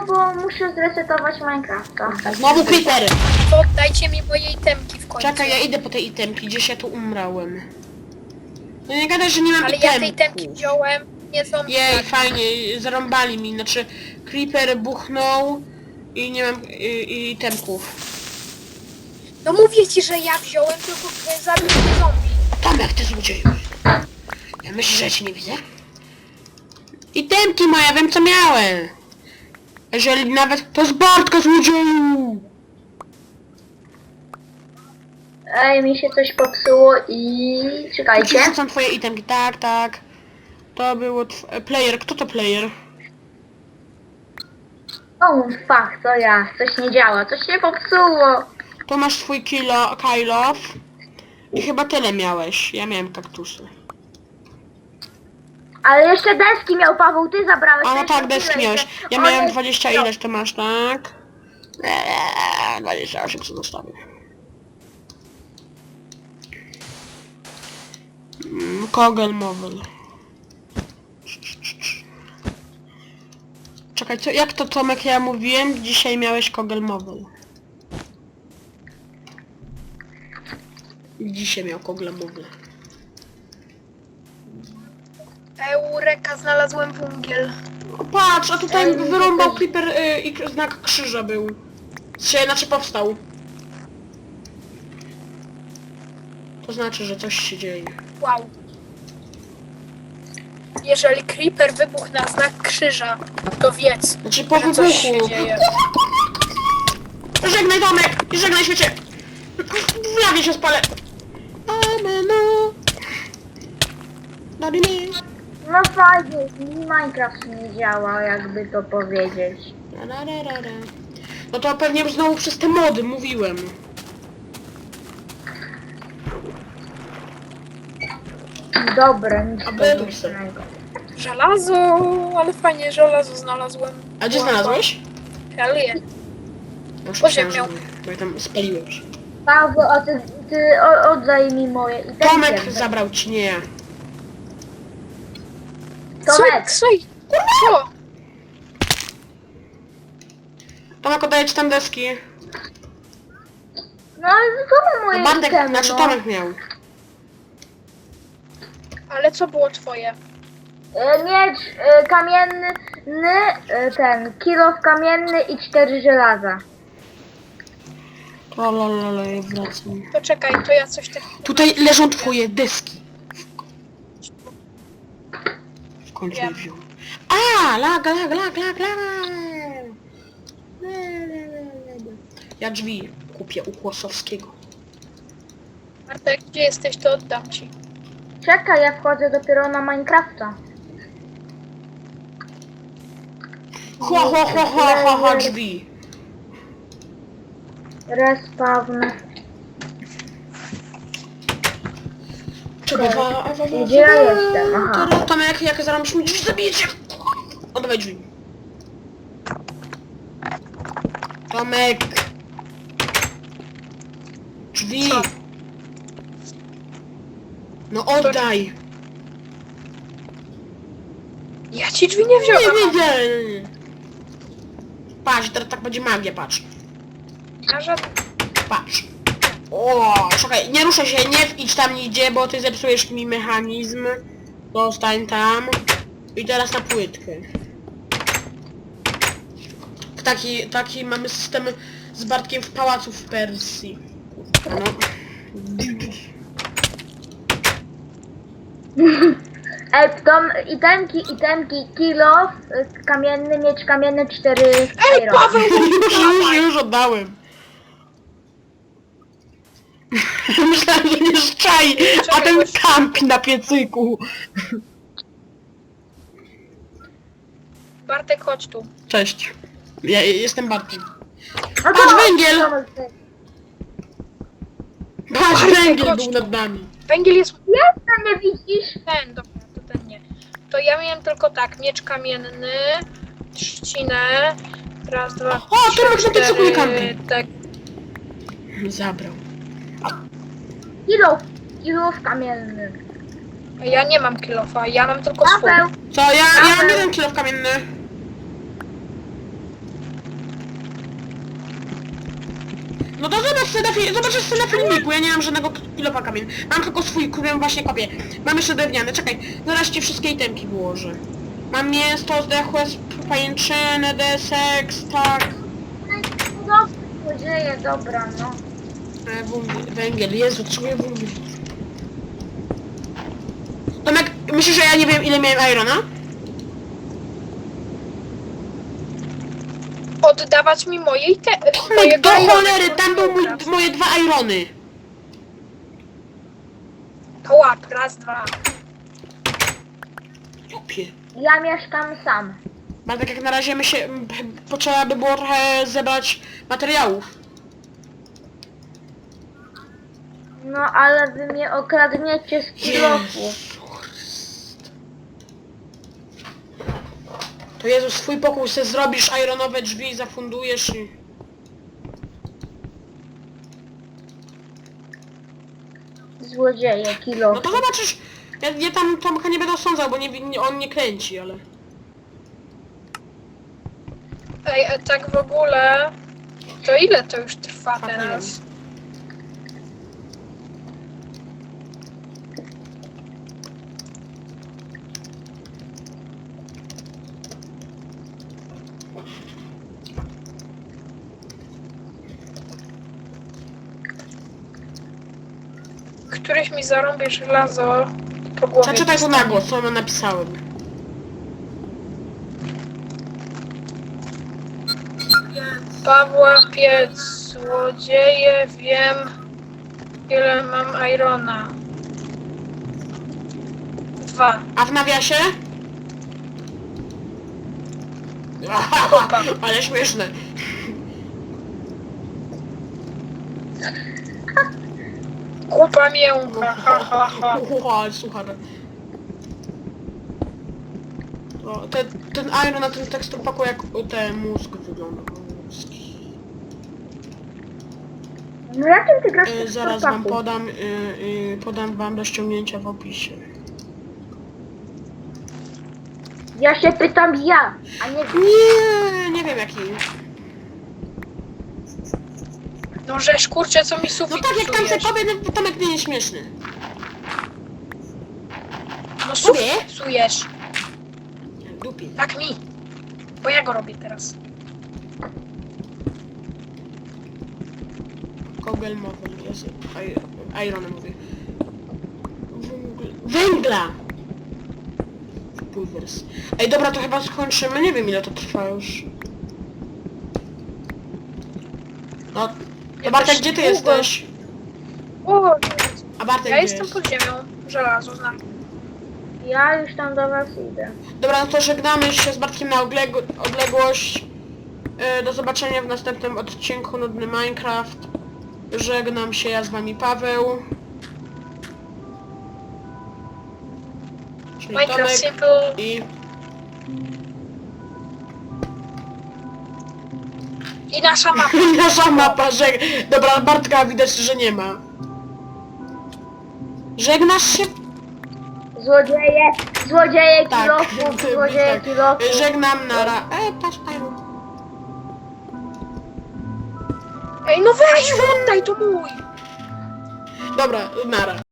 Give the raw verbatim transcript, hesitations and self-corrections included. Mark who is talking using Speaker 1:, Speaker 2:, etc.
Speaker 1: bo muszę zresetować Minecrafta.
Speaker 2: Znowu creepery.
Speaker 3: Oddajcie mi moje itemki w końcu.
Speaker 2: Czekaj, ja idę po te itemki, gdzieś ja tu umrałem. No nie gadaj, że nie mam
Speaker 3: Ale
Speaker 2: itemków.
Speaker 3: ja te itemki wziąłem, nie są...
Speaker 2: Jej, fajnie, zarąbali mi, znaczy creeper buchnął i nie mam i, i itemków.
Speaker 3: No mówię ci, że ja wziąłem, tylko zabił mnie zombie.
Speaker 2: Tomek, ty złodzieju. Ja myślę, że ja cię nie widzę? Itemki moje, wiem co miałem. Jeżeli nawet to z Bartka złodzieju.
Speaker 1: Ej, mi się coś popsuło i... Czekajcie.
Speaker 2: Czy są twoje itemki? Tak, tak. To było tw... player. Kto to player?
Speaker 1: O, fuck, to ja. Coś nie działa, coś się popsuło.
Speaker 2: To masz twój kilo, kill off. I chyba tyle miałeś. Ja miałem kaktusy.
Speaker 1: Ale jeszcze deski miał Paweł, ty zabrałeś.
Speaker 2: A no
Speaker 1: jeszcze
Speaker 2: tak, deski
Speaker 1: tyle,
Speaker 2: miałeś.
Speaker 1: że
Speaker 2: Ja
Speaker 1: on
Speaker 2: miałem
Speaker 1: jest-
Speaker 2: dwadzieścia ileś, to masz, tak? Eee, dwadzieścia osiem co zostawię. Mm, Kogel Mobile. Czekaj, co, jak to Tomek ja mówiłem? Dzisiaj miałeś Kogel Mobile. Dzisiaj miał Kogel Mobile.
Speaker 3: Eureka, znalazłem węgiel.
Speaker 2: O, patrz, a tutaj
Speaker 1: Ej,
Speaker 2: wyrąbał
Speaker 1: to-
Speaker 2: creeper y, i k- znak krzyża był. Się, znaczy powstał. To znaczy, że coś się dzieje.
Speaker 3: Wow. Jeżeli creeper wybuchł na znak krzyża, to wiedz,
Speaker 2: Znaczy po
Speaker 3: że coś się
Speaker 2: wybuchu.
Speaker 3: dzieje.
Speaker 2: Żegnaj Tomek! I żegnaj świecie! W lawie się spalę! Ameno. Dadini.
Speaker 1: No fajnie, mi Minecraft nie działa, jakby to powiedzieć.
Speaker 2: Da, da, da, da, da. No to pewnie znowu przez te mody mówiłem.
Speaker 1: Dobre, nic
Speaker 2: A będą
Speaker 1: pożytecznego.
Speaker 3: Żelazo, ale fajnie, żelazo znalazłem.
Speaker 2: A gdzie znalazłeś?
Speaker 3: Hell yeah.
Speaker 2: Już
Speaker 3: Pod
Speaker 2: myślałem,
Speaker 3: ziemią.
Speaker 2: że- Bo ja tam spaliłem już.
Speaker 1: Paweł, a ty, ty o, oddaj mi moje i
Speaker 2: Tomek zabrał ci, nie ja.
Speaker 1: Tomek.
Speaker 3: Co? Co? Co?
Speaker 2: Tomek oddaję ci tam deski.
Speaker 1: No ale komu moje
Speaker 2: No Bartek,
Speaker 1: itemy,
Speaker 2: znaczy
Speaker 1: no?
Speaker 2: Tomek miał.
Speaker 3: Ale co było twoje?
Speaker 1: E, Miecz e, kamienny, e, ten, kilof kamienny i cztery żelaza.
Speaker 2: Lalalala, ja wracam.
Speaker 3: To czekaj, to ja coś tak...
Speaker 2: Tutaj leżą twoje deski. W końcu je
Speaker 3: Wiem.
Speaker 2: wziął. A, lag, lag, lag, lag, lag. Ja drzwi kupię u Kłosowskiego.
Speaker 3: Bartek, gdzie jesteś, to oddam ci.
Speaker 1: Czekaj, ja wchodzę dopiero na Minecrafta.
Speaker 2: Ho, ho, ho, ho, ho, ho, drzwi.
Speaker 1: Respawn.
Speaker 2: Czekaj,
Speaker 1: Gdzie ja jestem? Aha.
Speaker 2: Tomek, jak zaraz mi drzwi zabijecie. Oddawaj drzwi. Tomek. Drzwi.
Speaker 3: Co?
Speaker 2: No oddaj.
Speaker 3: Ja ci drzwi nie wziąłem.
Speaker 2: Nie widzę. Patrz, teraz tak będzie magia, patrz.
Speaker 3: A żadne...
Speaker 2: Patrz. O, czekaj, nie ruszaj się, nie idź tam nigdzie, bo ty zepsujesz mi mechanizm. Zostań tam. I teraz na płytkę. Taki, taki mamy system z Bartkiem w pałacu w Persji. No.
Speaker 1: Ej, tom, itemki, itemki, kilof, y, kamienny, miecz kamienny, cztery
Speaker 3: Ej,
Speaker 1: iron.
Speaker 3: Paweł!
Speaker 2: Już, już, już oddałem. Myślałem, że nie szczai, a ten kampi na piecyku.
Speaker 3: Bartek, chodź tu.
Speaker 2: Cześć. Ja jestem Bartkiem.
Speaker 1: No
Speaker 2: Patrz, węgiel!
Speaker 1: to-
Speaker 2: Patrz,
Speaker 3: Bartek,
Speaker 2: węgiel
Speaker 3: chodź
Speaker 2: był
Speaker 3: tu.
Speaker 2: nad nami.
Speaker 3: Węgiel jest...
Speaker 1: Jestem, nie widzisz?
Speaker 3: Ten, dobra, to ten nie. To ja miałem tylko tak, miecz kamienny, trzcinę, raz, dwa,
Speaker 2: O, Tomek na piecyku nie kampi.
Speaker 3: tak.
Speaker 2: Zabrał.
Speaker 1: Kilof, kilof kamienny.
Speaker 3: Ja nie mam kilofa, ja mam tylko swój.
Speaker 1: Paweł,
Speaker 2: Co, ja, ja mam jeden kilo kamienny. No to zobacz sobie na, fi zobaczysz sobie na filmiku, ja nie mam żadnego kilofa kamień. Mam tylko swój, kupiłem właśnie kopię. Mam jeszcze drewniane, czekaj, zaraz ci wszystkie itemki wyłożę. Mam mięso, zdechłe, pajęczynę, desek, tak.
Speaker 1: No, złodzieje, dobra, no.
Speaker 2: E, węgiel, węgiel, Jezu, potrzebuję węgiel. Tomek, myślisz, że ja nie wiem ile miałem irona?
Speaker 3: Oddawać mi mojej te...
Speaker 2: Tomek,
Speaker 3: mojego
Speaker 2: do
Speaker 3: irona,
Speaker 2: cholery,
Speaker 3: to
Speaker 2: tam były mój,
Speaker 3: teraz.
Speaker 2: moje dwa irony.
Speaker 3: To łap, raz, dwa.
Speaker 2: Jopie.
Speaker 1: Ja mieszkam sam.
Speaker 2: Bo tak jak na razie my się... m, potrzeba by było trochę zebrać materiałów.
Speaker 1: No, ale wy mnie okradniecie z kilofu.
Speaker 2: To Jezu, swój pokój sobie zrobisz, ironowe drzwi zafundujesz i...
Speaker 1: Złodzieje,
Speaker 2: No
Speaker 1: kilofu.
Speaker 2: to zobaczysz, ja, ja tam Tomka nie będę osądzał, bo nie, nie, on nie kręci, ale...
Speaker 3: Ej, a tak w ogóle... To ile to już trwa
Speaker 2: Tak, nie
Speaker 3: teraz? Któryś mi zarąbie żelazo po głowie.
Speaker 2: Przeczytaj to na
Speaker 3: dostanie.
Speaker 2: głos, co ja napisałem.
Speaker 3: Pawła Piec, złodzieje, wiem ile mam irona. Dwa.
Speaker 2: A w nawiasie? Ale śmieszne.
Speaker 3: Kupa mięcha, ha ha ha.
Speaker 2: Ucha, słuchaj. O, ten, ten iron na tym teksturpaku jak ten mózg wygląda. Mózg.
Speaker 1: No jakim ty grasz
Speaker 2: Y,
Speaker 1: w
Speaker 2: zaraz wam
Speaker 1: chłopaku?
Speaker 2: podam, y, y, podam wam do ściągnięcia w opisie.
Speaker 1: Ja się pytam ja, a nie...
Speaker 2: Nie, nie wiem jaki.
Speaker 3: No żeż kurczę, co mi
Speaker 2: No
Speaker 3: sufit
Speaker 2: tak jak tam se
Speaker 3: psujesz.
Speaker 2: powie, no Tomek nie jest śmieszny.
Speaker 3: No
Speaker 2: Sobie?
Speaker 3: sufit psujesz.
Speaker 2: Dupi.
Speaker 3: Tak mi. Bo ja go robię teraz.
Speaker 2: Kogel mowy, jest ironem mówię. Węgl- Węgla! Pulvers. Ej, dobra, to chyba skończymy. Nie wiem ile to trwa już. No, to
Speaker 3: Ja
Speaker 2: Bartek,
Speaker 3: też
Speaker 2: gdzie ty
Speaker 3: długo.
Speaker 2: jesteś?
Speaker 3: O,
Speaker 2: A Bartek
Speaker 3: ja
Speaker 2: gdzie
Speaker 3: jestem
Speaker 2: jest?
Speaker 3: pod ziemią. Żelazo znam.
Speaker 1: Ja już tam do was idę.
Speaker 2: Dobra, no to żegnamy się z Bartkiem na odległ- odległość. E, do zobaczenia w następnym odcinku Nudny Minecraft. Żegnam się, ja z wami Paweł. Czyli
Speaker 3: Minecraft
Speaker 2: Tomek
Speaker 3: Simple.
Speaker 2: i...
Speaker 3: I nasza mapa.
Speaker 2: Nasza mapa, że... Dobra, Bartka widać, że nie ma. Żegnasz się?
Speaker 1: Złodzieje, złodzieje
Speaker 2: Tak.
Speaker 1: kilofów, złodzieje
Speaker 2: tak.
Speaker 1: kilofów.
Speaker 2: Żegnam, nara. E, patrz, Iron.
Speaker 3: Ej, no weź, oddaj, to mój.
Speaker 2: Dobra, nara.